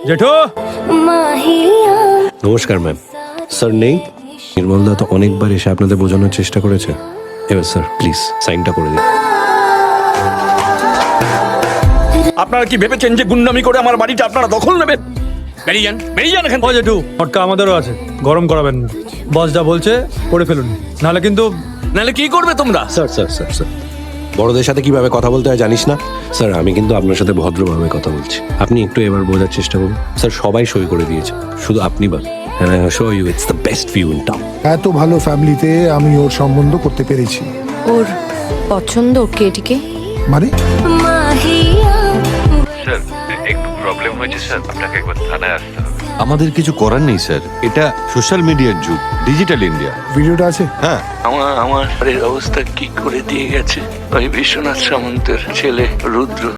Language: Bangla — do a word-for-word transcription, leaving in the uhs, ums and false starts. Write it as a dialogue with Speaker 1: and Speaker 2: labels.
Speaker 1: জেঠু।
Speaker 2: নমস্কার ম্যাম। স্যার নেই? নির্মলদা তো অনেকবার এসে আপনাদের বোঝানোর চেষ্টা করেছে। এবার স্যার প্লিজ সাইনটা করে দিন।
Speaker 3: আপনারা কি ভেবেছেন যে গুন্ডামি করে আমার বাড়িটা আপনারা দখল নেবেন? বেরিয়ে যান, বেরিয়ে যান এখান
Speaker 1: ও
Speaker 3: থেকে।
Speaker 1: জেঠু, ফটকা আমাদেরও আছে, গরম করাবেন না। বস যা বলছে করে ফেলুন, নাহলে কিন্তু।
Speaker 3: নাহলে কি করবে তোমরা?
Speaker 2: স্যার স্যার স্যার স্যার বড়দের সাথে কিভাবে কথা বলতে হয় জানিস না? স্যার আমি কিন্তু আপনার সাথে ভদ্রভাবে কথা বলছি, আপনি একটু এবার বোঝার চেষ্টা করুন। স্যার সবাই সই করে দিয়েছে, শুধু আপনি বাদ। And I assure you it's the best view in town.
Speaker 4: এত ভালো ফ্যামিলিতে আমি ওর সম্বন্ধ করতে পেরেছি।
Speaker 5: ওর পছন্দ কেটিকে
Speaker 4: মানে
Speaker 6: স্যার একটু প্রবলেম হয়েছে স্যার, আপনাকে একবার থানায় আসতে হবে।
Speaker 7: আমাদের কিছু করার নেই স্যার, এটা সোশ্যাল মিডিয়ার যুগ, ডিজিটাল ইন্ডিয়া।
Speaker 4: ভিডিওটা আছে?
Speaker 7: হ্যাঁ,
Speaker 6: আমার আমার বাড়ির অবস্থা কি করে দিয়ে গেছে ওই বিশ্বনাথ সামন্তের ছেলে রুদ্র।